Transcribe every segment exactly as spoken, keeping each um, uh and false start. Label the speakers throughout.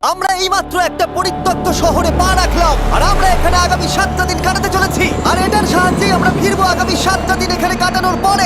Speaker 1: আমরা এইমাত্র একটা পরিত্যক্ত শহরে পা রাখলাম আর আমরা এখানে আগামী সাতটা দিন কাটাতে চলেছি আর এটার সাহায্যেই আমরা ফিরবো আগামী সাতটা দিন এখানে কাটানোর পরে।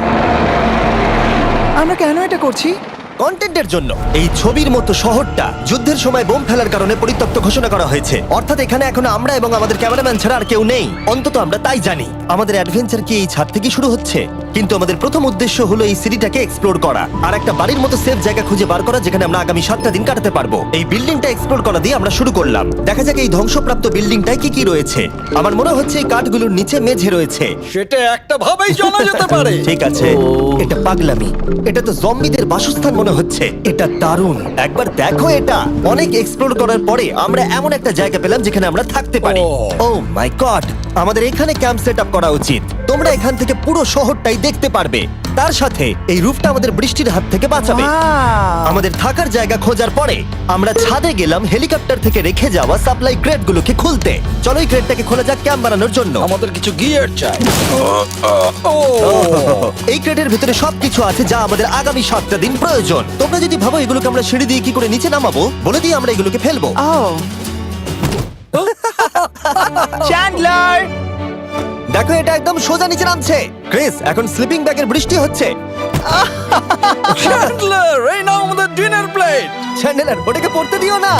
Speaker 2: আমরা কেন এটা করছি?
Speaker 1: কন্টেন্টের জন্য। এই ছবির মতো শহরটা যুদ্ধের সময় বোম ফেলার কারণে পরিত্যক্ত ঘোষণা করা হয়েছে, অর্থাৎ এখানে এখন আমরা এবং আমাদের ক্যামেরাম্যান ছাড়া আর কেউ নেই। অন্তত আমরা তাই জানি। আমাদের অ্যাডভেঞ্চার কি এই ছাদ থেকে শুরু হচ্ছে? কিন্তু আমাদের প্রথম উদ্দেশ্য হলো এই সিটিটাকে এক্সপ্লোর করা আর একটা বাড়ির মতো সেফ জায়গা খুঁজে বার করা যেখানে আমরা আগামী সাতটা দিন কাটাতে পারবো। এই বিল্ডিংটা এক্সপ্লোর করা দিয়ে আমরা শুরু করলাম। দেখা যাক এই ধ্বংসপ্রাপ্ত বিল্ডিংটায় কি কি রয়েছে। আমার মনে হচ্ছে এই কাঠগুলোর নিচে মেঝে রয়েছে।
Speaker 3: সেটা একটা ভাবেই জানা যেতে পারে।
Speaker 1: ঠিক আছে, এটা পাগলামি। এটা তো জম্বিদের বাসস্থান মনে হচ্ছে। এটা দারুণ, একবার দেখো এটা। অনেক এক্সপ্লোর করার পরে আমরা এমন একটা জায়গা পেলাম যেখানে আমরা থাকতে পারি। ও মাই গড, আমাদের এখানে ক্যাম্প সেট আপ করা উচিত। তোমরা এখান থেকে পুরো শহরটাই দেখতে পারবে। তার সাথে এই রুফটা আমাদের বৃষ্টির হাত থেকে বাঁচাবে।
Speaker 2: Wow!
Speaker 1: আমাদের থাকার জায়গা খোঁজার পরে আমরা ছাদে গেলাম হেলিকপ্টার থেকে রেখে যাওয়া সাপ্লাই ক্রেটগুলোকে খুলতে। চলো এই ক্রেটটাকে খোলা যাক ক্যাম্প বানানোর জন্য।
Speaker 3: আমাদের কিছু গিয়ার চাই। ও
Speaker 1: এই ক্রেটের ভিতরে সবকিছু আছে যা আমাদের আগামী সাতটা দিন প্রয়োজন। তোমরা যদি ভাবো এগুলোকে আমরা সিঁড়ি দিয়ে কি করে নিচে নামাবো, বলে দিয়ে আমরা এগুলোকে ফেলবো।
Speaker 2: Oh! চ্যান্ডলার!
Speaker 1: দেখো এটা একদম সোজা নিচে নামছে। ক্রিস, এখন স্লিপিং ব্যাগের বৃষ্টি হচ্ছে।
Speaker 3: চ্যান্ডলার, এই নাও আমাদের ডিনার প্লেট।
Speaker 1: চ্যান্ডেলার, ওটাকে পড়তে দিও না।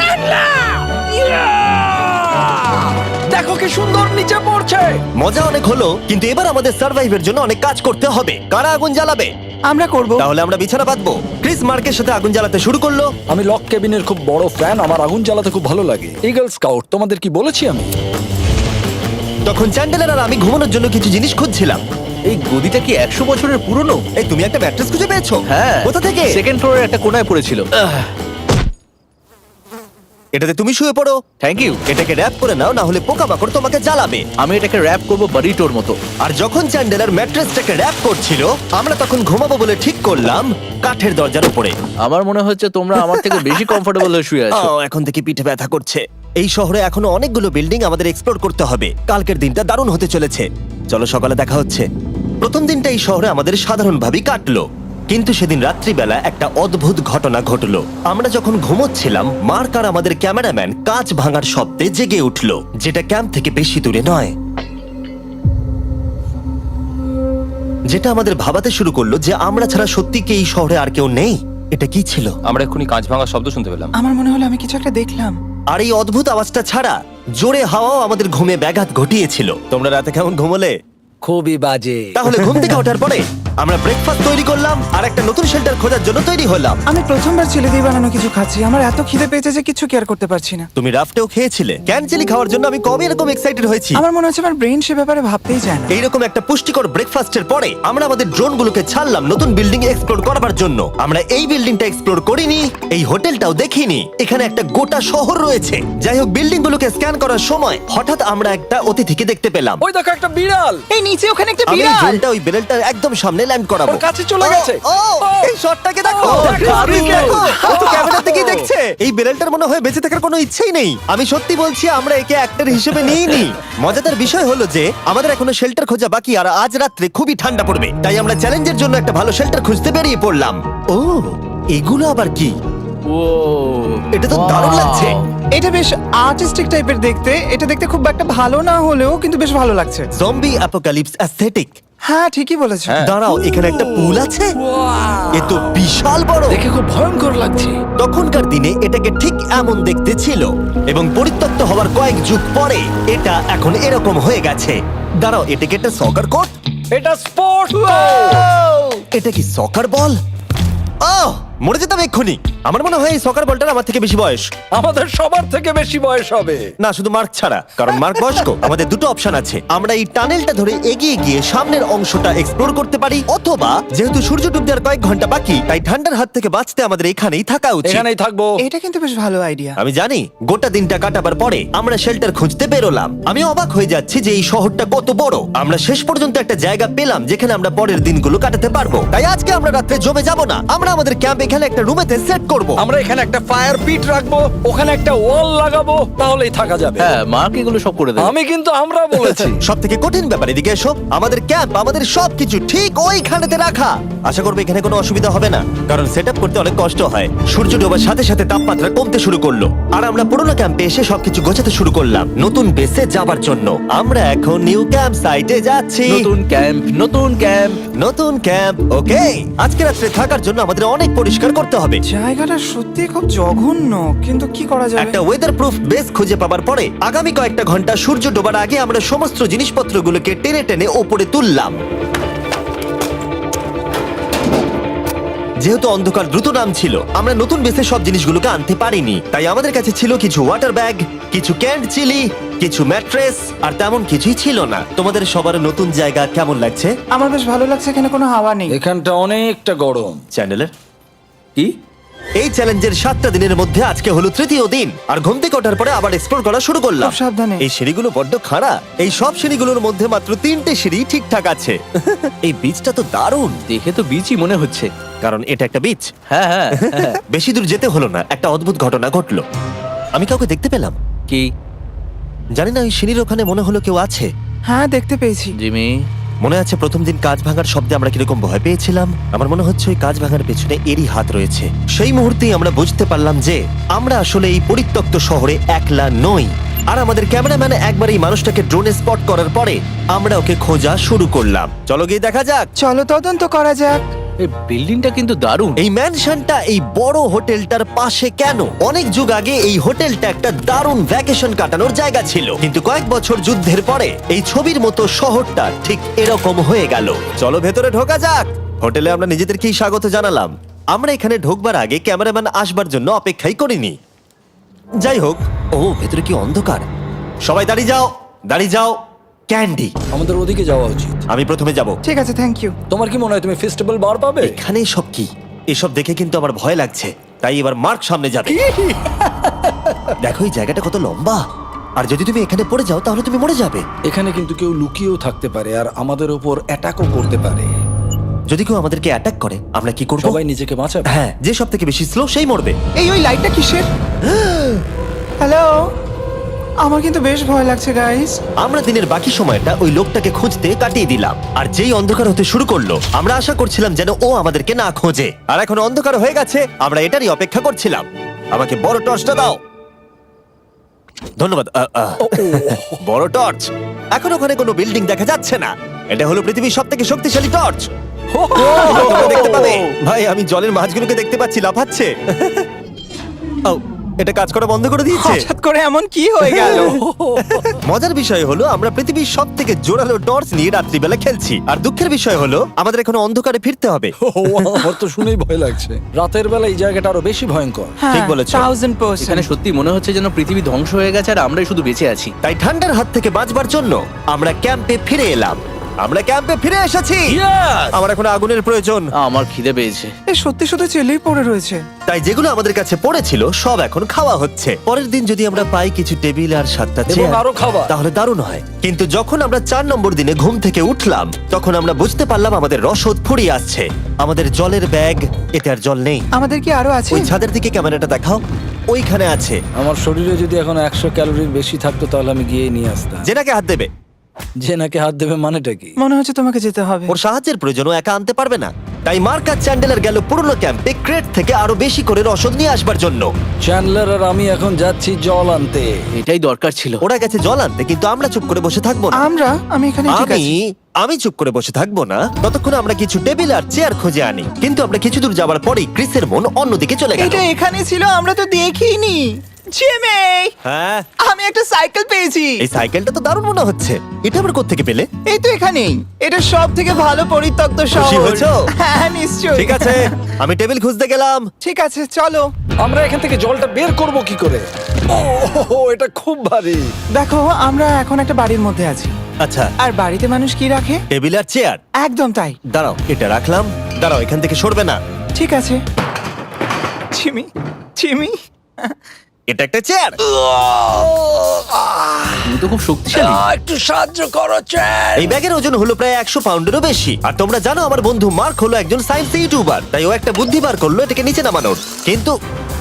Speaker 3: দেখো কি সুন্দর নিচে পড়ছে।
Speaker 1: মজা অনেক হলো, কিন্তু এবার আমাদের সার্ভাইভের জন্য অনেক কাজ করতে হবে। কারা আগুন জ্বালাবে?
Speaker 2: আমরা করব।
Speaker 1: তাহলে আমরা বিছানা বাঁধবো। ক্রিস মার্কের সাথে আগুন জ্বালাতে শুরু করলো।
Speaker 3: আমি লক কেবিনের খুব বড় ফ্যান, আমার আগুন জ্বালাতে খুব ভালো লাগে। ইগল স্কাউট, তোমাদের কি বলেছি আমি?
Speaker 1: তখন চ্যান্ডেলার আর আমি ঘুমানোর জন্য কিছু জিনিস খুঁজছিলাম।
Speaker 4: এই গদিটা কি একশো বছরের পুরনো?
Speaker 1: এই তুমি একটা ম্যাট্রেস খুঁজে পেয়েছো?
Speaker 4: হ্যাঁ।
Speaker 1: কোথা থেকে?
Speaker 4: সেকেন্ড ফ্লোরের একটা কোণায় পড়েছিল।
Speaker 1: এটাতে তুমি শুয়ে পড়ো।
Speaker 4: Thank you.
Speaker 1: এটাকে র‍্যাপ করে নাও, না হলে পোকামাকড় তোমাকে জ্বালাবে।
Speaker 4: আমি এটাকে র‍্যাপ করব বারিটোর মতো।
Speaker 1: আর যখন চ্যান্ডেলার ম্যাট্রেসটাকে র‍্যাপ করছিল, আমরা তখন ঘুমাবো বলে ঠিক করলাম কাঠের দরজার উপরে।
Speaker 4: আমার মনে হচ্ছে তোমরা আমার থেকে বেশি কমফোর্টেবল হয়ে শুয়ে আছো।
Speaker 1: ও, এখন থেকে পিঠে ব্যথা করছে। এই শহরে এখনো অনেকগুলো বিল্ডিং আমাদের এক্সপ্লোর করতে হবে। কালকের দিনটা দারুণ হতে চলেছে। চলো সকালে দেখা হচ্ছে। প্রথম দিনটা এই শহরে আমাদের সাধারণভাবেই কাটলো, কিন্তু সেদিন রাত্রিবেলা একটা অদ্ভুত ঘটনা ঘটলো। আমরা যখন ঘুমোচ্ছিলাম, মার্ক আর আমাদের ক্যামেরাম্যান কাঁচ ভাঙার শব্দে জেগে উঠলো, যেটা ক্যাম্প থেকে বেশি দূরে নয়। যেটা আমাদের ভাবাতে শুরু করলো যে আমরা ছাড়া সত্যি কি এই শহরে আর কেউ নেই। এটা কি ছিল?
Speaker 5: আমরা এক্ষুনি কাঁচ ভাঙার শব্দ শুনতে পেলাম।
Speaker 2: আমার মনে হলো আমি কিছু একটা দেখলাম।
Speaker 1: আর এই অদ্ভুত আওয়াজটা ছাড়া জোরে হাওয়াও আমাদের ঘুমে ব্যাঘাত ঘটিয়েছিল। তোমরা রাতে কেমন ঘুমোলে?
Speaker 3: খুবই বাজে।
Speaker 1: তাহলে ঘুম থেকে ওঠার পরে আমরা ব্রেকফাস্ট তৈরি করলাম আর একটা নতুন শেল্টার খোঁজার জন্য তৈরি হলাম।
Speaker 2: আমি প্রথমবার ছেলে দিয়ে বানানো কিছু খাচ্ছি। আমার এত খিদে পেয়েছে যে কিছু কেয়ার করতে পারছি না।
Speaker 1: তুমি রাফটেও খেয়েছিলে। ক্যানচেলি খাওয়ার জন্য আমি কবে এরকম এক্সাইটেড হয়েছি।
Speaker 2: আমার মনে হচ্ছে আমার ব্রেন সে ব্যাপারে ভাবতেই চায় না।
Speaker 1: এইরকম একটা পুষ্টিকর ব্রেকফাস্টের পরে আমরা আমাদের ড্রোনগুলোকে ছাড়লাম নতুন বিল্ডিং এক্সপ্লোর করার জন্য। আমরা এই বিল্ডিংটা এক্সপ্লোর করিনি, এই হোটেলটাও দেখিনি। এখানে একটা গোটা শহর রয়েছে। যাই হোক, বিল্ডিংগুলোকে স্ক্যান করার সময় হঠাৎ আমরা একটা অতিথিকে দেখতে পেলাম।
Speaker 3: ওই দেখো একটা বিড়াল।
Speaker 2: এই নিচে ওখানে একটা
Speaker 1: আমি এই
Speaker 2: বিড়াল।
Speaker 1: ড্রোনটা ওই বেলটার একদম সামনে ল্যান্ড করাবো।
Speaker 3: ওর কাছে চলে গেছে।
Speaker 1: ও, ও, এই শটটাকে দেখো।
Speaker 3: ও, দারুণ।
Speaker 1: দেখো, ও তো ক্যামেরা থেকেই দেখছে। এই বেলটার মনে হয় বেঁচে থাকার কোনো ইচ্ছেই নেই। আমি সত্যি বলছি, আমরা একে অ্যাক্টর হিসেবে নিইনি। মজাদার বিষয় হলো যে আমাদের এখনো শেল্টার খোঁজা বাকি, আর আজ রাত্রে খুবই ঠান্ডা পড়বে। তাই আমরা চ্যালেঞ্জের জন্য একটা ভালো শেল্টার খুঁজতে বেরিয়ে পড়লাম। ও, এগুলো আবার কি?
Speaker 4: ও,
Speaker 1: এটা তো দারুণ লাগছে।
Speaker 2: এটা বেশ আর্টিস্টিক টাইপের দেখতে। এটা দেখতে খুব একটা ভালো না হলেও কিন্তু বেশ ভালো লাগছে।
Speaker 1: Zombie apocalypse aesthetic.
Speaker 2: হ্যাঁ, ঠিকই বলেছো।
Speaker 1: দাঁড়াও, এখানে একটা পুল আছে। এ তো বিশাল বড়।
Speaker 3: দেখে খুব ভয়ঙ্কর লাগছে।
Speaker 1: তখনকার দিনে এটাকে ঠিক এমন দেখতে ছিল, এবং পরিত্যক্ত হওয়ার কয়েক যুগ পরে এটা এখন এরকম হয়ে গেছে। দাঁড়াও, এটাকে একটা সকার কোর্ট?
Speaker 3: এটা স্পোর্টস।
Speaker 1: এটা কি সকার বল? আহ, মরে যেতাম এক্ষুনি। আমার মনে হয় এই সকার বলটার আমার থেকে বেশি বয়স।
Speaker 3: আমাদের সবার থেকে বেশি বয়স হবে।
Speaker 1: না, শুধু মার্ক ছাড়া, কারণ মার্ক বয়স্ক। আমাদের দুটো অপশন আছে। আমরা এই টানেলটা ধরে এগিয়ে গিয়ে সামনের অংশটা এক্সপ্লোর করতে পারি, অথবা যেহেতু সূর্য ডুবতে আর কয়েক ঘন্টা বাকি, তাই ঠান্ডার হাত থেকে বাঁচতে আমাদের এখানেই থাকা উচিত।
Speaker 3: এখানেই থাকবো।
Speaker 2: এটা কিন্তু বেশ ভালো আইডিয়া।
Speaker 1: আমি জানি। গোটা দিনটা কাটাবার পরে আমরা শেল্টার খুঁজতে বেরোলাম। আমি অবাক হয়ে যাচ্ছি যে এই শহরটা কত বড়। আমরা শেষ পর্যন্ত একটা জায়গা পেলাম যেখানে আমরা পরের দিনগুলো কাটাতে পারবো। তাই আজকে আমরা রাত্রে জমে যাব না। আমরা আমাদের ক্যাম্প এখানে একটা রুমেতে সেট করব।
Speaker 3: আমরা এখানে একটা ফায়ার পিট রাখবো, ওখানে একটা ওয়াল লাগাবো, তাহলেই থাকা যাবে।
Speaker 4: হ্যাঁ মার্ক এগুলো সব করে দেবে।
Speaker 3: আমি কিন্তু আমরা বলেছি।
Speaker 1: সব থেকে কঠিন ব্যাপার, এদিকে এসো। আমাদের ক্যাম্প, আমাদের সবকিছু ঠিক ওইখানেতে রাখা। আশা করবো এখানে কোনো অসুবিধা হবে না, কারণ সেট আপ করতে অনেক কষ্ট হয়। সূর্য ডোবার সাথে সাথে তাপমাত্রা কমতে শুরু করলো, আর আমরা পুরোনো ক্যাম্পে এসে সবকিছু গোছাতে শুরু করলাম নতুন বেসে যাবার জন্য। আমরা এখন নিউ ক্যাম্প সাইটে যাচ্ছি।
Speaker 4: নতুন ক্যাম্প, নতুন ক্যাম্প।
Speaker 1: নতুন ক্যাম্প, ওকে। আজকে রাত্রে থাকার জন্য আমাদের অনেক পরিষ্কার করতে হবে।
Speaker 2: জায়গাটা সত্যি খুব জঘন্য, কিন্তু কি করা যাবে?
Speaker 1: একটা ওয়েদার প্রুফ বেস খুঁজে পাবার পরে আগামী কয়েকটা ঘন্টা সূর্য ডোবার আগে আমরা সমস্ত জিনিসপত্রগুলোকে টেনে টেনে ওপরে তুললাম। যেহেতু অন্ধকার দ্রুত নামছিল, আমরা নতুন বেসে সব জিনিসগুলোকে আনতে পারিনি, তাই আমাদের কাছে ছিল কিছু ওয়াটার ব্যাগ, কিছু ক্যান্ড চিলি, কিছু ম্যাট্রেস, আর তেমন কিছুই ছিল না। তোমাদের সবার নতুন জায়গা কেমন লাগছে?
Speaker 2: আমার বেশ ভালো লাগছে, এখানে কোনো হাওয়া নেই।
Speaker 3: এখানটা অনেকটা গরম।
Speaker 1: চ্যানেলের
Speaker 3: কি?
Speaker 1: এই চ্যালেঞ্জের সাতটা দিনের মধ্যে আজকে হলো তৃতীয় দিন, আর ঘুম থেকে ওঠার পরে আবার এক্সপ্লোর করা শুরু করলাম।
Speaker 2: খুব সাবধানে।
Speaker 1: এই সিঁড়িগুলো বড্ড খাড়া। এই সব সিঁড়িগুলোর মধ্যে মাত্র তিনটে সিঁড়ি ঠিকঠাক আছে। এই বীজটা তো দারুণ,
Speaker 4: দেখে তো বিচই মনে হচ্ছে।
Speaker 1: কারণ এটা একটা বীজ।
Speaker 4: হ্যাঁ হ্যাঁ হ্যাঁ।
Speaker 1: বেশি দূর যেতে হলো না, একটা অদ্ভুত ঘটনা ঘটলো। আমি কাউকে দেখতে পেলাম,
Speaker 4: কি
Speaker 1: জানি না, ওই সিঁড়ির ওখানে মনে হলো কেউ আছে।
Speaker 2: হ্যাঁ, দেখতে পেয়েছি।
Speaker 4: জিমি?
Speaker 1: মনে আছে প্রথম দিন কাঁচ ভাঙার শব্দে আমরা কিরকম ভয় পেয়েছিলাম? আমার মনে হচ্ছে ওই কাঁচ ভাঙার পেছনে এরই হাত রয়েছে। সেই মুহূর্তেই আমরা বুঝতে পারলাম যে আমরা আসলে এই পরিত্যক্ত শহরে একলা নই। আর আমাদের ক্যামেরাম্যান একবার এই মানুষটাকে ড্রোনে স্পট করার পরে আমরা ওকে খোঁজা শুরু করলাম। চলো গিয়ে দেখা যাক।
Speaker 2: চলো তদন্ত করা যাক।
Speaker 4: এই বিল্ডিংটা কিন্তু দারুণ।
Speaker 1: এই ম্যানশনটা এই বড় হোটেলটার পাশে কেন? অনেক যুগ আগে এই হোটেলটা একটা দারুণ ভ্যাকেশন কাটানোর জায়গা ছিল, কিন্তু কয়েক বছর যুদ্ধের পরে এই ছবির মতো শহরটা ঠিক এরকম হয়ে গেল। চলো ভেতরে ঢোকা যাক। হোটেলে আমরা নিজেদেরকেই স্বাগত জানালাম। আমরা এখানে ঢোকবার আগে ক্যামেরাম্যান আসবার জন্য অপেক্ষাই করিনি। যাই হোক, ও ভেতরে কি অন্ধকার। সবাই দাঁড়িয়ে যাও, দাঁড়িয়ে যাও। ক্যান্ডি,
Speaker 3: আমাদের ওদিকে যাওয়া উচিত।
Speaker 1: আমি প্রথমে যাব।
Speaker 2: ঠিক আছে, থ্যাংক ইউ।
Speaker 3: তোমার কি মনে হয় তুমি ফেস্টিভ্যাল বার পাবে?
Speaker 1: এখানে সব কি? এসব দেখে কিন্তু আমার ভয় লাগছে, তাই এবার মার্ক সামনে যাবে। দেখো এই জায়গাটা কত লম্বা, আর যদি তুমি এখানে পড়ে যাও তাহলে তুমি মরে যাবে।
Speaker 3: এখানে কিন্তু কেউ লুকিয়েও থাকতে পারে আর আমাদের উপর অ্যাটাকও করতে পারে।
Speaker 1: যদি কেউ আমাদেরকে অ্যাটাক করে আমরা কি করব?
Speaker 3: সবাই নিজেকে বাঁচাবে।
Speaker 1: হ্যাঁ, যে সব থেকে বেশি স্লো সেই মরবে।
Speaker 2: এই ওই লাইটটা কিসের? হ্যালো, আমার কিন্তু বেশ ভয় লাগছে গাইস।
Speaker 1: আমরা দিনের বাকি সময়টা ওই লোকটাকে খুঁজতে কাটিয়ে দিলাম, আর যেই অন্ধকার হতে শুরু করলো আমরা আশা করছিলাম যেন ও আমাদেরকে না খোঁজে। আর এখন অন্ধকার হয়ে গেছে, আমরা এটারই অপেক্ষা করছিলাম। আমাকে বড় টর্চটা দাও। ধন্যবাদ। আ, আ। বড় টর্চ। এখন ওখানে কোনো বিল্ডিং দেখা যাচ্ছে না। এটা হলো পৃথিবীর সব থেকে শক্তিশালী টর্চ। তোমরা দেখতে পাবে। ভাই, আমি জলের মাছগুলোকে দেখতে পাচ্ছি লাফাচ্ছে। ও, এটা কাজ করা বন্ধ করে দিয়েছে।
Speaker 2: হঠাৎ করে এমন কি হয়ে গেল?
Speaker 1: মজার বিষয় হলো আমরা পৃথিবীর সব থেকে জোরালো টর্চ নিয়ে রাত্রিবেলা খেলছি, আর দুঃখের বিষয় হলো আমাদের এখন অন্ধকারে ফিরতে হবে।
Speaker 3: আমার তো শুনেই ভয় লাগছে। রাতের বেলা এই জায়গাটা আরো বেশি ভয়ঙ্কর।
Speaker 1: ঠিক বলেছো।
Speaker 2: থাউজেন্ড
Speaker 4: এখানে
Speaker 2: পার্সেন্ট।
Speaker 4: সত্যি মনে হচ্ছে যেন পৃথিবী ধ্বংস হয়ে গেছে আর আমরাই শুধু বেঁচে আছি।
Speaker 1: তাই ঠান্ডার হাত থেকে বাঁচবার জন্য আমরা ক্যাম্পে ফিরে এলাম। আমরা ক্যাম্পে ফিরে এসেছি। আমার এখন আগুনের প্রয়োজন,
Speaker 4: আমার খিদে পেয়েছে।
Speaker 2: এ সত্যি সত্যি চেলেই পড়ে রয়েছে।
Speaker 1: তাই যেগুলো আমাদের কাছে পড়েছিল সব এখন খাওয়া হচ্ছে। পরের দিন যদি আমরা পাই কিছু টেবিল আর সাতটা
Speaker 3: এবং
Speaker 1: চেয়ার,
Speaker 3: আরো খাবার।
Speaker 1: তাহলে দারুণ হয়। কিন্তু যখন আমরা চার নম্বর দিনে ঘুম থেকে উঠলাম তখন আমরা বুঝতে পারলাম আমাদের রসদ ফুরিয়ে আসছে। আমাদের জলের ব্যাগ, এতে আর জল নেই।
Speaker 2: আমাদের কি আরো আছে?
Speaker 1: ওই ছাদের দিকে ক্যামেরাটা দেখাও, ওইখানে আছে।
Speaker 3: আমার শরীরে যদি এখন একশো ক্যালোরির বেশি থাকতো তাহলে আমি গিয়ে নিয়ে আসতাম।
Speaker 1: জেনাকে হাত দেবে।
Speaker 3: যে নাকি হাত দেবে মানেটা কি?
Speaker 2: মনে হচ্ছে তোমাকে যেতে হবে।
Speaker 1: ওর সাহায্যের প্রয়োজন, ও একা আনতে পারবে না। তাই মার্ক আর চ্যান্ডেলার গেল পুরনো ক্যাম্পে ক্রেট থেকে আরো বেশি করে রসদ নিয়ে আসবার জন্য।
Speaker 3: চ্যান্ডলার আর আমি এখন যাচ্ছি জল আনতে।
Speaker 4: এটাই দরকার ছিল।
Speaker 1: ওরা গেছে জল আনতে, কিন্তু আমরা চুপ করে বসে থাকবো না।
Speaker 2: আমরা আমি এখানে ঠিক
Speaker 1: আমি
Speaker 2: আছি।
Speaker 1: আমি চুপ করে বসে থাকবো না ততক্ষণ আমরা কিছু টেবিল আর চেয়ার খুঁজে আনি। কিন্তু আমরা কিছু দূর যাবার পরেই ক্রিসের মন অন্যদিকে চলে গেল।
Speaker 2: এটা এখানে ছিল, আমরা তো দেখিনি। জিমি,
Speaker 1: হ্যাঁ,
Speaker 2: আমি একটা সাইকেল পেয়েছি।
Speaker 1: এই সাইকেলটা তো দারুণ মনে হচ্ছে। এটা আমরা কোত্থেকে পেলে?
Speaker 2: এই তো এখানেই। এটা সব থেকে ভালো পরিত্যক্ত
Speaker 1: খুশি
Speaker 2: শহর।
Speaker 1: হয়েছো?
Speaker 2: হ্যাঁ, নিশ্চয়ই।
Speaker 1: ঠিক আছে, আমি টেবিল খুঁজতে গেলাম।
Speaker 2: ঠিক আছে, চলো।
Speaker 3: আমরা এখান থেকে জলটা বের করব কি করে? ও, এটা খুব ভারী।
Speaker 2: দেখো, আমরা এখন একটা বাড়ির মধ্যে আছি।
Speaker 1: আচ্ছা,
Speaker 2: আর বাড়িতে মানুষ কি রাখে?
Speaker 1: টেবিল আর চেয়ার।
Speaker 2: একদম তাই।
Speaker 1: দাঁড়াও, এটা রাখলাম। দাঁড়াও, এখান থেকে সরবে না।
Speaker 2: ঠিক আছে। চিমি, চিমি,
Speaker 1: এটা একটা চেয়ার।
Speaker 4: তুমি তো খুব শক্তিশালী।
Speaker 3: একটু সাহায্য করো চ্যান।
Speaker 1: এই ব্যাগের ওজন হলো প্রায় একশো পাউন্ডেরও বেশি। আর তোমরা জানো আমার বন্ধু মার্ক হলো একজন সায়েন্স ইউটিউবার, তাই ও একটা বুদ্ধি বার করলো এটাকে নিচে নামানোর। কিন্তু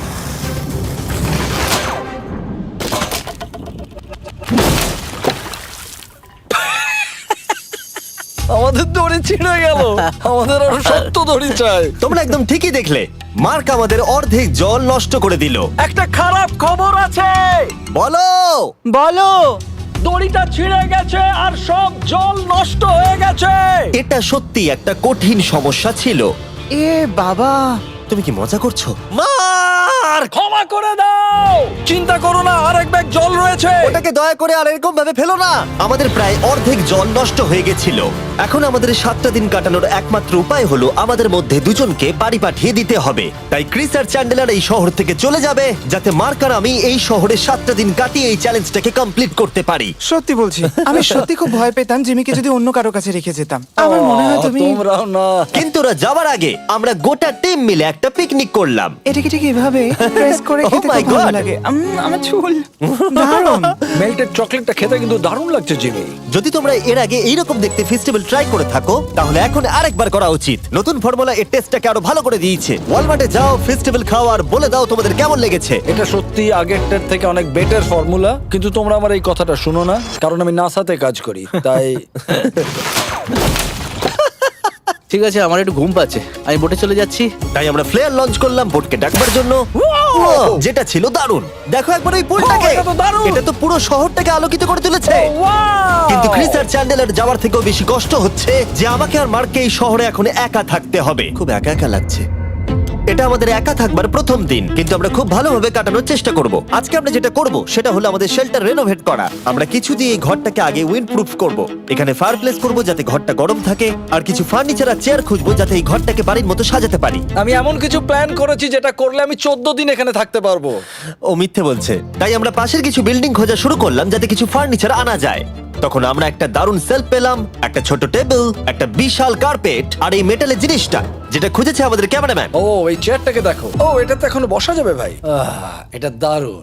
Speaker 3: আমাদের দড়ি ছিঁড়ে গেল। আমাদের আরো শক্ত দড়ি চাই।
Speaker 1: তোমরা একদম ঠিকই দেখলে, মার্ক আমাদের অর্ধেক জল নষ্ট করে দিল।
Speaker 3: একটা খারাপ খবর আছে,
Speaker 1: বলো।
Speaker 2: বলো।
Speaker 3: দড়িটা ছিঁড়ে গেছে আর সব জল নষ্ট হয়ে গেছে।
Speaker 1: এটা সত্যি একটা কঠিন সমস্যা ছিল।
Speaker 2: এ বাবা।
Speaker 1: তুমি কি মজা করছো? মার্ক,
Speaker 3: ক্ষমা করে দাও। চিন্তা করো না, আরেক ব্যাগ জল রয়েছে।
Speaker 1: ওটাকে দয়া করে আর এরকম ভাবে ফেলো না। আমাদের প্রায় অর্ধেক জল নষ্ট হয়ে গেছিল। এখন আমাদের সাতটা দিন কাটানোর একমাত্র উপায় হলো আমাদের মধ্যে দুজনকে বাড়ি পাঠিয়ে দিতে হবে। তাই ক্রিস আর চ্যান্ডেলার এই শহর থেকে চলে যাবে, যাতে মার্ক আর আমি এই শহরে সাতটা দিন কাটিয়ে এই চ্যালেঞ্জটাকে কমপ্লিট করতে পারি।
Speaker 2: সত্যি বলছি, আমি সত্যি খুব ভয় পেতাম জিমিকে যদি অন্য কারো কাছে রেখে যেতাম। আমার মনে হয় তুমি
Speaker 3: তোমরাও না।
Speaker 1: কিন্তু ওরা যাওয়ার আগে আমরা গোটা টিম মিলে একটা পিকনিক করলাম।
Speaker 2: এটাকে ঠিক এভাবে প্রেস করে
Speaker 1: Oh
Speaker 2: খেতে
Speaker 1: my
Speaker 2: খুব ভালো
Speaker 1: God!
Speaker 2: লাগে। উম, আমার চুল দারুণ।
Speaker 3: মেল্টেড চকলেটটা খেতে কিন্তু দারুণ লাগছে জিমি।
Speaker 1: যদি তোমরা এর আগে এইরকম দেখতে ফেস্টিভ্যাল ট্রাই করে থাকো, তাহলে এখন আরেকবার করা উচিত। নতুন ফর্মুলা এর টেস্টটাকে আরো ভালো করে দিয়েছে। ওয়ালমার্টে যাও, ফেস্টিভ্যাল খাও আর বলে দাও তোমাদের কেমন লেগেছে।
Speaker 3: এটা সত্যি আগেরটার থেকে অনেক বেটার ফর্মুলা, কিন্তু তোমরা আমার এই কথাটা শুনো না, কারণ আমি নাসাতে কাজ করি, তাই
Speaker 4: ঠিক আছে, আমার একটু ঘুম পাচ্ছে, আমি বোটে চলে যাচ্ছি।
Speaker 1: তাই আমরা ফ্লেয়ার লঞ্চ করলাম বোটকে ডাকবার জন্য, যেটা ছিল দারুণ। দেখো একবার ওই পুলটাকে,
Speaker 3: Oh, এটা তো দারুণ!
Speaker 1: এটা তো পুরো শহরটাকে আলোকিত করে তুলেছে। কিন্তু ক্রিস আর চ্যান্ডেলার যাওয়ার থেকেও বেশি কষ্ট হচ্ছে যে আমাকে আর মার্ককে এই শহরে এখন একা থাকতে হবে। খুব একা একা লাগছে। এটা আমাদের একা থাকবার প্রথম দিন, কিন্তু আমরা খুব ভালোভাবে কাটানোর চেষ্টা করব। আজকে আমরা যেটা করব সেটা হলো আমাদের শেল্টার রেনোভেট করা। আমরা কিছু দিয়ে এই ঘরটাকে আগে উইন্ড প্রুফ করব। এখানে ফায়ারপ্লেস করব যাতে ঘরটা গরম থাকে, আর কিছু ফার্নিচার আর চেয়ার খুঁজবো যাতে এই ঘরটাকে বাড়ির মতো সাজাতে পারি।
Speaker 3: আমি এমন কিছু প্ল্যান করেছি যেটা করলে আমি চোদ্দ দিন এখানে থাকতে পারবো।
Speaker 1: ও মিথ্যে বলছে। তাই আমরা পাশের কিছু বিল্ডিং খোঁজা শুরু করলাম যাতে কিছু ফার্নিচার আনা যায়। তখন আমরা একটা দারুণ সেলফ পেলাম, একটা ছোট টেবিল, একটা বিশাল কার্পেট আর এই মেটালের জিনিসটা যেটা খুঁজেছে আমাদের ক্যামেরাম্যান।
Speaker 3: ও এই চেয়ারটাকে দেখো। ও এটাতে এখনো বসা যাবে ভাই। আহ, এটা দারুণ।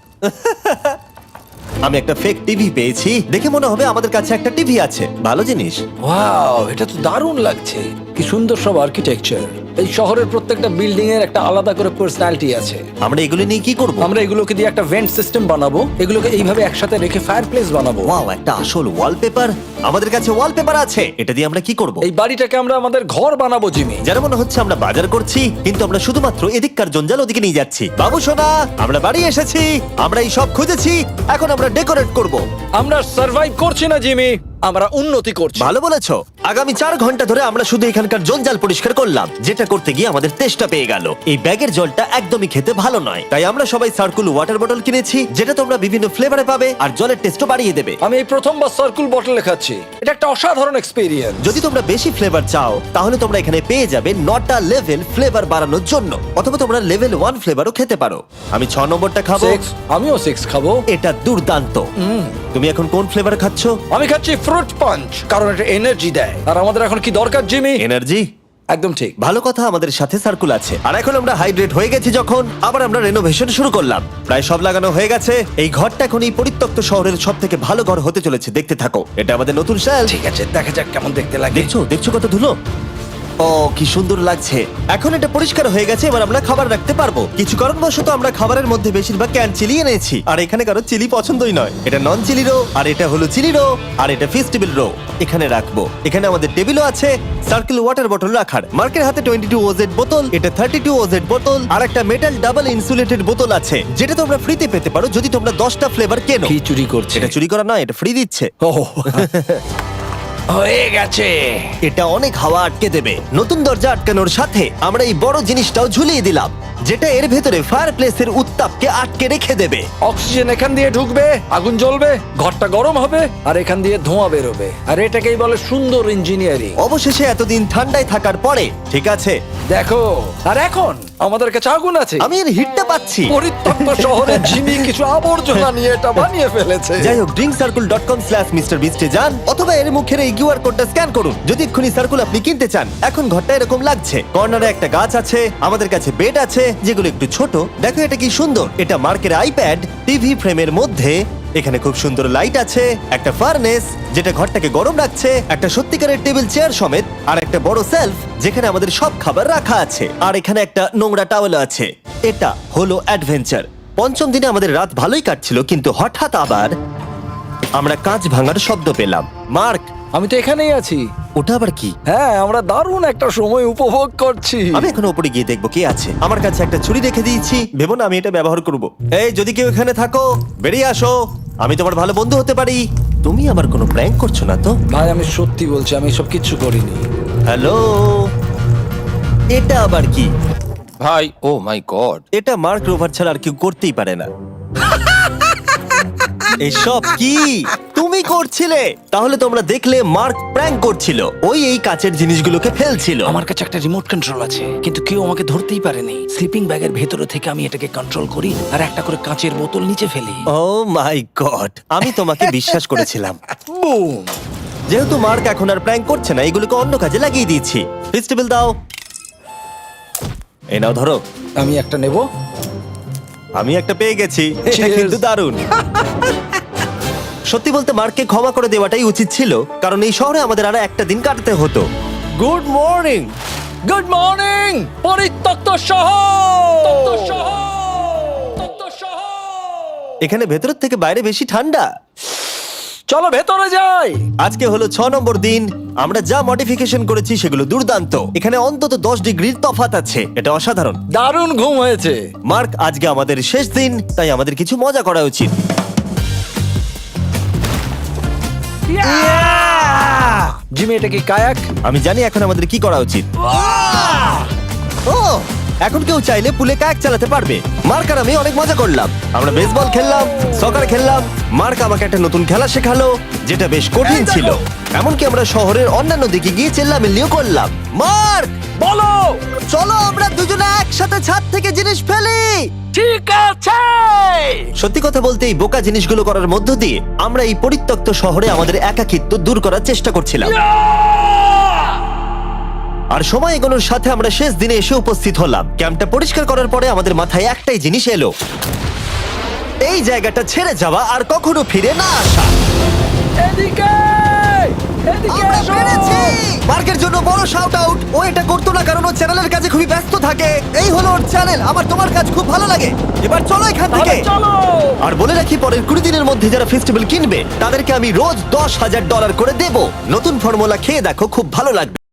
Speaker 1: আমি একটা ফেক টিভি পেয়েছি, দেখে মনে হবে আমাদের কাছে একটা টিভি আছে। ভালো জিনিস।
Speaker 3: ওয়াও, এটা তো দারুণ লাগছে। কি সুন্দর সব আর্কিটেকচার। এই শহরের প্রত্যেকটা বিল্ডিং এর একটা আলাদা করে পার্সোনালিটি আছে।
Speaker 1: আমরা এগুলো নিয়ে কি করব?
Speaker 3: আমরা এগুলোকে দিয়ে একটা ভেন্ট সিস্টেম বানাবো, এগুলোকে এইভাবে একসাথে রেখে ফায়ারপ্লেস বানাবো।
Speaker 1: ওয়াও, একটা আসল ওয়ালপেপার। আমাদের কাছে ওয়ালপেপার আছে। এটা দিয়ে আমরা কি করব?
Speaker 3: এই বাড়িটাকে আমরা আমাদের ঘর বানাবো জিমি।
Speaker 1: যারা মনে হচ্ছে আমরা বাজার করছি, কিন্তু আমরা শুধুমাত্র এদিককার জঞ্জাল ওদিকে নিয়ে যাচ্ছি। বাবু সোনা, আমরা বাড়ি এসেছি। আমরা এই সব খুঁজেছি, এখন আমরা ডেকোরেট করব।
Speaker 3: আমরা সার্ভাইভ করছি না জিমি, আমরা উন্নতি করছি।
Speaker 1: ভালো বলেছো। আগামী চার ঘন্টা ধরে আমরা শুধু এখানকার জঞ্জাল পরিষ্কার করলাম, যেটা করতে গিয়ে আমাদের তেষ্টা পেয়ে গেল। এই ব্যাগের জলটা একদমই খেতে ভালো নয়, তাই আমরা সবাই সার্কুল ওয়াটার বটল কিনেছি, যেটা তোমরা বিভিন্ন ফ্লেভারে পাবে আর জলের টেস্টও বাড়িয়ে দেবে।
Speaker 3: আমি এই প্রথমবার সার্কুল বটলে খাচ্ছি, এটা একটা অসাধারণ এক্সপেরিয়েন্স।
Speaker 1: যদি তোমরা বেশি ফ্লেভার চাও, তাহলে তোমরা এখানে পেয়ে যাবে নটা লেভেল ফ্লেভার বাড়ানোর জন্য, অথবা তোমরা লেভেল ওয়ান ফ্লেভারও খেতে পারো। আমি ছ নম্বরটা খাবো।
Speaker 3: সিক্স, আমিও সিক্স খাবো।
Speaker 1: এটা দুর্দান্ত। তুমি এখন কোন ফ্লেভার খাচ্ছ?
Speaker 3: আমি খাচ্ছি ফ্রুট পাঞ্চ, কারণ এটা এনার্জি দেয়। আর আমাদের এখন কি দরকার জিমি?
Speaker 1: এনার্জি।
Speaker 3: একদম ঠিক।
Speaker 1: ভালো কথা, আমাদের সাথে সার্কুল আছে। আর এখন আমরা হাইড্রেট হয়ে গেছি যখন, আবার আমরা রেনোভেশন শুরু করলাম। প্রায় সব লাগানো হয়ে গেছে। এই ঘরটা এখন এই পরিত্যক্ত শহরের সব থেকে ভালো ঘর হতে চলেছে। দেখতে থাকো, এটা আমাদের নতুন শেল।
Speaker 3: ঠিক আছে, দেখা যাক কেমন দেখতে লাগে।
Speaker 1: দেখছো দেখছো কত ধুলো। ও কি সুন্দর লাগছে। এখন এটা পরিষ্কার হয়ে গেছে, এবার আমরা খাবার রাখতে পারবো। কিছু কারণবশত আমরা খাবারের মধ্যে বেশিরভাগ ক্যান চিলি এনেছি, আর এখানে কারো চিলি পছন্দই নয়। এটা নন চিলি রো, আর এটা হলো চিলি রো, আর এটা ফেস্টিভ্যাল রো। এখানে রাখবো। এখানে আমাদের টেবিলও আছে, সার্কেল ওয়াটার বটল রাখার। মার্কের হাতে টোয়েন্টি টু ওজেড বোতল, এটা থার্টি টু ওজেড বোতল, আর একটা মেটাল ডাবল ইনসুলেটেড বোতল আছে, যেটা তোমরা ফ্রিতে পেতে পারো যদি তোমরা দশটা ফ্লেভার কেনো।
Speaker 3: কি চুরি করছে?
Speaker 1: এটা চুরি করা নয়, এটা ফ্রি দিচ্ছে।
Speaker 3: ও হয়ে গেছে।
Speaker 1: এটা অনেক হাওয়া আটকে দেবে। নতুন দরজা আটকানোর সাথে আমরা এই বড় জিনিসটাও ঝুলিয়ে দিলাম, যেটা এর ভেতরে ফায়ারপ্লেসের উত্তাপকে আটকে রেখে দেবে।
Speaker 3: অক্সিজেন এখান দিয়ে ঢুকবে, আগুন জ্বলবে, ঘরটা গরম হবে, আর এখান দিয়ে ধোঁয়া বেরোবে। আর এটাকেই বলে সুন্দর ইঞ্জিনিয়ারিং।
Speaker 1: অবশেষে এতদিন ঠান্ডায় থাকার পরে ঠিক আছে।
Speaker 3: দেখো, আর এখন আমাদের কাছে আগুন আছে।
Speaker 1: আমি এর হিটটা পাচ্ছি।
Speaker 3: পরিত্যক্ত শহরে জিমি কিছু আবর্জনা নিয়ে এটা বানিয়ে ফেলেছে।
Speaker 1: যাই হোক, drink circle dot com slash mister বিস্টে যান, অথবা এর মুখের এই কিউআর কোডটা স্ক্যান করুন যদি এক্ষুনি সার্কুল আপনি কিনতে চান। এখন ঘরটা এরকম লাগছে। কর্নারে একটা গাছ আছে, আমাদের কাছে বেড আছে, যেগুলো একটু ছোট। দেখো এটা কি সুন্দর, এটা মার্কের আইপ্যাড টিভি ফ্রেমের মধ্যে। এখানে খুব সুন্দর লাইট আছে, একটা ফার্নেস যেটা ঘরটাকে গরম রাখছে, একটা সত্যিকারের টেবিল চেয়ার সমেত, আর একটা বড় সেলফ যেখানে আমাদের সব খাবার রাখা আছে, আর এখানে একটা নোংরা টাওয়েল আছে। এটা হলো অ্যাডভেঞ্চার। পঞ্চম দিনে আমাদের রাত ভালোই কাটছিল, কিন্তু হঠাৎ আবার আমরা কাঁচ ভাঙার শব্দ পেলাম। মার্ক,
Speaker 3: আমি তো এখানেই আছি।
Speaker 1: ওটা আবার কি?
Speaker 3: হ্যাঁ, আমরা দারুণ একটা সময় উপভোগ করছি।
Speaker 1: আমি এখন উপরে গিয়ে দেখবো কি আছে। আমার কাছে একটা ছুরি রেখে দিয়েছি, ভেবো না আমি এটা ব্যবহার করব। এই, যদি কেউ এখানে থাকো বেরিয়ে আসো, আমি তোমার ভালো বন্ধু হতে পারি। তুমি আমার কোনো প্র্যাঙ্ক করছো না তো?
Speaker 3: ভাই, আমি সত্যি বলছি, আমি সব কিচ্ছু করিনি।
Speaker 1: হ্যালো, এটা আবার কি?
Speaker 5: ভাই, ও মাই গড।
Speaker 1: এটা মার্ক রোভার ছাড়া আর কেউ করতেই পারে না। এসব কি তুমি করছিলে? তাহলে তোমরা দেখলে মার্ক প্র্যাঙ্ক করছিল। ওই এই কাচের জিনিসগুলোকে ফেলছিল।
Speaker 3: আমার কাছে একটা রিমোট কন্ট্রোল আছে, কিন্তু কেউ আমাকে ধরতেই পারেনি। স্লিপিং ব্যাগের ভেতরে থেকে আমি এটাকে কন্ট্রোল করি আর একটা করে কাঁচের বোতল নিচে ফেলি।
Speaker 1: ও মাই গড, আমি তোমাকে বিশ্বাস করেছিলাম।
Speaker 3: বুম!
Speaker 1: যেহেতু মার্ক এখন আর প্র্যাঙ্ক করছে না, এগুলোকে অন্য কাজে লাগিয়ে দিয়েছি। ফেস্টিভ্যাল দাও। এই নাও, ধরো।
Speaker 3: আমি একটা নেব।
Speaker 1: আমি একটা পেয়ে গেছি। এটা
Speaker 3: Cheers!
Speaker 1: কিন্তু দারুণ। সত্যি বলতে মার্ককে ক্ষমা করে দেওয়াটাই উচিত ছিল, কারণ এই শহরে আমাদের আর একটা দিন কাটাতে হতো। Good morning.
Speaker 3: গুড মর্নিং, পরিত্যক্ত শহর।
Speaker 1: এখানে ভেতরের থেকে বাইরে বেশি ঠান্ডা।
Speaker 3: চলো ভেতরে যাই।
Speaker 1: আজকে হলো ছ নম্বর দিন। আমরা যা মডিফিকেশন করেছি সেগুলো দুর্দান্ত। এখানে অন্তত দশ ডিগ্রির তফাৎ আছে, এটা অসাধারণ।
Speaker 3: দারুণ ঘুম হয়েছে।
Speaker 1: মার্ক, আজকে আমাদের শেষ দিন, তাই আমাদের কিছু মজা করা উচিত।
Speaker 3: জিমি, এটা কি কায়াক?
Speaker 1: আমি জানি এখন আমাদের কি করা উচিত। ও, এখন কেউ চাইলে পুলে কায়াক চালাতে পারবে। মার্ক আর আমি অনেক মজা করলাম। আমরা বেসবল খেললাম, সকার খেললাম। মার্ক আমাকে একটা নতুন খেলা শেখালো, যেটা বেশ কঠিন ছিল। এমনকি আমরা শহরের অন্যান্য দিকে গিয়ে চেল্লামিল্লিও করলাম। মার্ক,
Speaker 3: বলো।
Speaker 1: চলো আমরা দুজনে একসাথে ছাদ থেকে জিনিস ফেলি।
Speaker 3: ঠিক আছে।
Speaker 1: সত্যি কথা বলতে, এই বোকা জিনিসগুলো করার মধ্য দিয়ে আমরা এই পরিত্যক্ত শহরে আমাদের একাকিত্ব দূর করার চেষ্টা করছিলাম। আর সময় এগোনোর সাথে আমরা শেষ দিনে এসে উপস্থিত হলাম। ক্যাম্পটা পরিষ্কার করার পরে আমাদের মাথায় একটাই জিনিস এলো, এই জায়গাটা ছেড়ে যাওয়া আর কখনো ফিরে না আসা।
Speaker 3: এদিকে, এদিকে
Speaker 1: আমরা
Speaker 3: এসো।
Speaker 1: পেরেছি! মার্কের জন্য বড় শাউট আউট। ও এটা করতো না কারণ ও চ্যানেলের কাছে খুবই ব্যস্ত থাকে। এই হলো ওর চ্যানেল। আমার তোমার কাজ খুব ভালো লাগে। এবার চলো এখান থেকে।
Speaker 3: তাহলে চলো।
Speaker 1: আর বলে রাখি, পরের কুড়ি দিনের মধ্যে যারা ফেস্টিভ্যাল কিনবে তাদেরকে আমি রোজ দশ হাজার ডলার করে দেব। নতুন ফর্মুলা খেয়ে দেখো, খুব ভালো লাগবে।